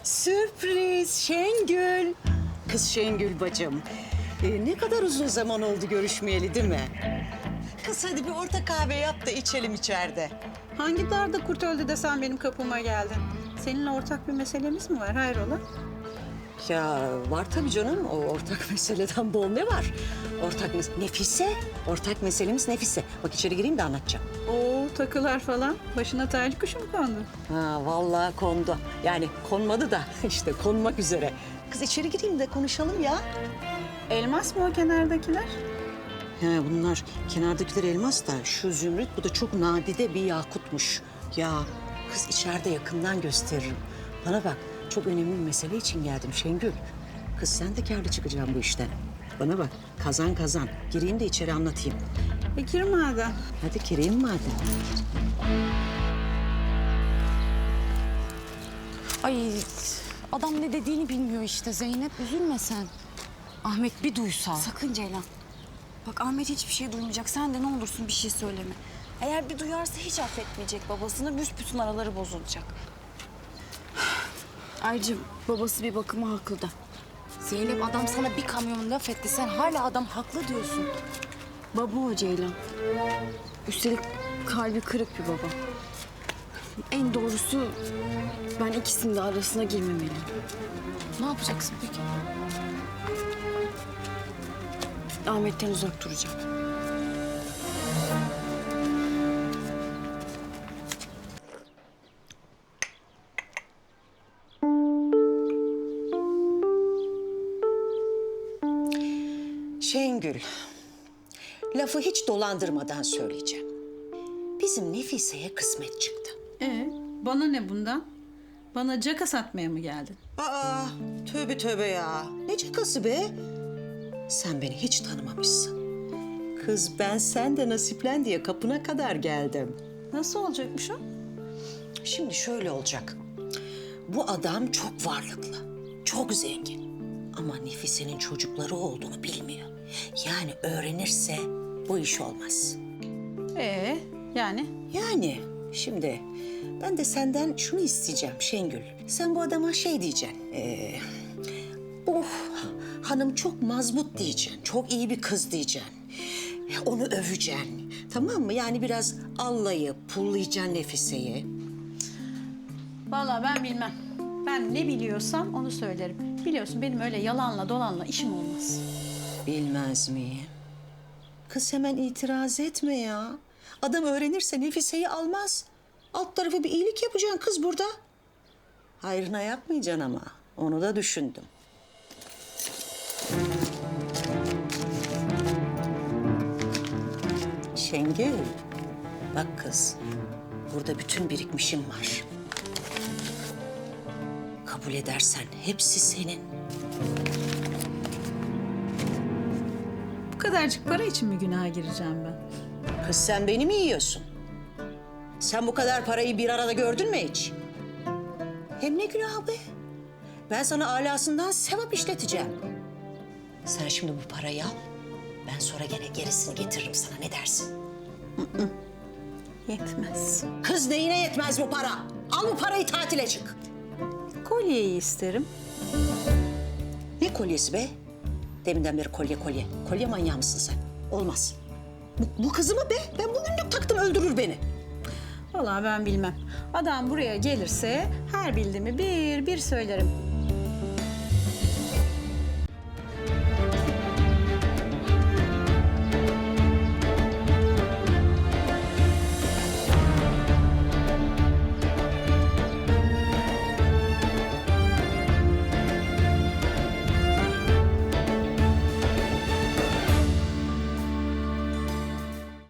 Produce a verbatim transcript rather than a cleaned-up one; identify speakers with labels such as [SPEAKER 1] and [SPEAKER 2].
[SPEAKER 1] Sürpriz Şengül. Kız Şengül bacım. Ee, ne kadar uzun zaman oldu görüşmeyeli değil mi? Kız hadi bir orta kahve yap da içelim içeride.
[SPEAKER 2] Hangi darda kurt öldü de sen benim kapıma geldin? Seninle ortak bir meselemiz mi var? Hayrola?
[SPEAKER 1] Ya var tabii canım. O ortak meseleden bol ne var? Ortak mes Nefise. Ortak meselemiz Nefise. Bak içeri gireyim de anlatacağım.
[SPEAKER 2] Oo, takılar falan. Başına talih kuşu mu kondu?
[SPEAKER 1] Ha vallahi kondu. Yani konmadı da işte konmak üzere. Kız içeri gireyim de konuşalım ya.
[SPEAKER 2] Elmas mı o kenardakiler?
[SPEAKER 1] He bunlar kenardakiler elmas da şu zümrüt bu da çok nadide bir yakutmuş. Ya kız içeride yakından gösteririm. Bana bak çok önemli bir mesele için geldim Şengül. Kız sen de kârlı çıkacaksın bu işten. Bana bak kazan kazan. Gireyim de içeri anlatayım.
[SPEAKER 2] E gir madem.
[SPEAKER 1] Hadi gireyim madem.
[SPEAKER 3] Ay adam ne dediğini bilmiyor işte Zeynep. Üzülme sen. Ahmet bir duysa.
[SPEAKER 4] Sakın Ceylan. Bak Ahmet hiçbir şey duymayacak. Sen de ne olursun bir şey söyleme. Eğer bir duyarsa hiç affetmeyecek babasını. Büsbütün araları bozulacak. Ayrıca babası bir bakıma haklı da.
[SPEAKER 3] Zeynep adam sana bir kamyon laf etti. Sen hala adam haklı diyorsun.
[SPEAKER 4] Baba o Ceylan. Üstelik kalbi kırık bir baba. En doğrusu ben ikisinin de arasına girmemeliyim.
[SPEAKER 3] Ne yapacaksın peki?
[SPEAKER 4] Ahmet'ten uzak duracağım.
[SPEAKER 1] Şengül, lafı hiç dolandırmadan söyleyeceğim. Bizim Nefise'ye kısmet çıktı.
[SPEAKER 2] E bana ne bundan? Bana caka satmaya mı geldin?
[SPEAKER 1] Aa, tövbe tövbe ya. Ne cakası be? Sen beni hiç tanımamışsın. Kız ben sen de nasiplen diye kapına kadar geldim.
[SPEAKER 2] Nasıl olacakmış o?
[SPEAKER 1] Şimdi şöyle olacak. Bu adam çok varlıklı, çok zengin. Ama Nefise'nin çocukları olduğunu bilmiyor. Yani öğrenirse bu iş olmaz.
[SPEAKER 2] Ee yani?
[SPEAKER 1] Yani şimdi ben de senden şunu isteyeceğim Şengül. Sen bu adama şey diyeceksin. Ee, oh hanım çok mazbut diyeceksin. Çok iyi bir kız diyeceksin. Onu öveceksin. Tamam mı? Yani biraz allayıp pullayacaksın Nefise'yi.
[SPEAKER 2] Vallahi ben bilmem. Ben ne biliyorsam onu söylerim. Biliyorsun benim öyle yalanla dolanla işim olmaz.
[SPEAKER 1] Bilmez miyim? Kız hemen itiraz etme ya. Adam öğrenirse Nefise'yi almaz. Alt tarafı bir iyilik yapacaksın kız burada. Hayrına yapmayacaksın ama. Onu da düşündüm. Şengül, bak kız. Burada bütün birikmişim var. Kabul edersen hepsi senin.
[SPEAKER 2] Bu kadarcık para için mi günaha gireceğim ben?
[SPEAKER 1] Kız sen beni mi yiyorsun? Sen bu kadar parayı bir arada gördün mü hiç? Hem ne günah be? Ben sana alasından sevap işleteceğim. Sen şimdi bu parayı al. Ben sonra gene gerisini getiririm sana. Ne dersin?
[SPEAKER 2] Yetmez.
[SPEAKER 1] Kız neyine yetmez bu para? Al bu parayı tatile çık.
[SPEAKER 2] Kolyeyi isterim.
[SPEAKER 1] Ne kolyesi be? Deminden beri kolye kolye. Kolye manyağı mısın sen? Olmaz. Bu, bu kızı mı be? Ben bugünlük taktım öldürür beni.
[SPEAKER 2] Vallahi ben bilmem. Adam buraya gelirse her bildiğimi bir bir söylerim.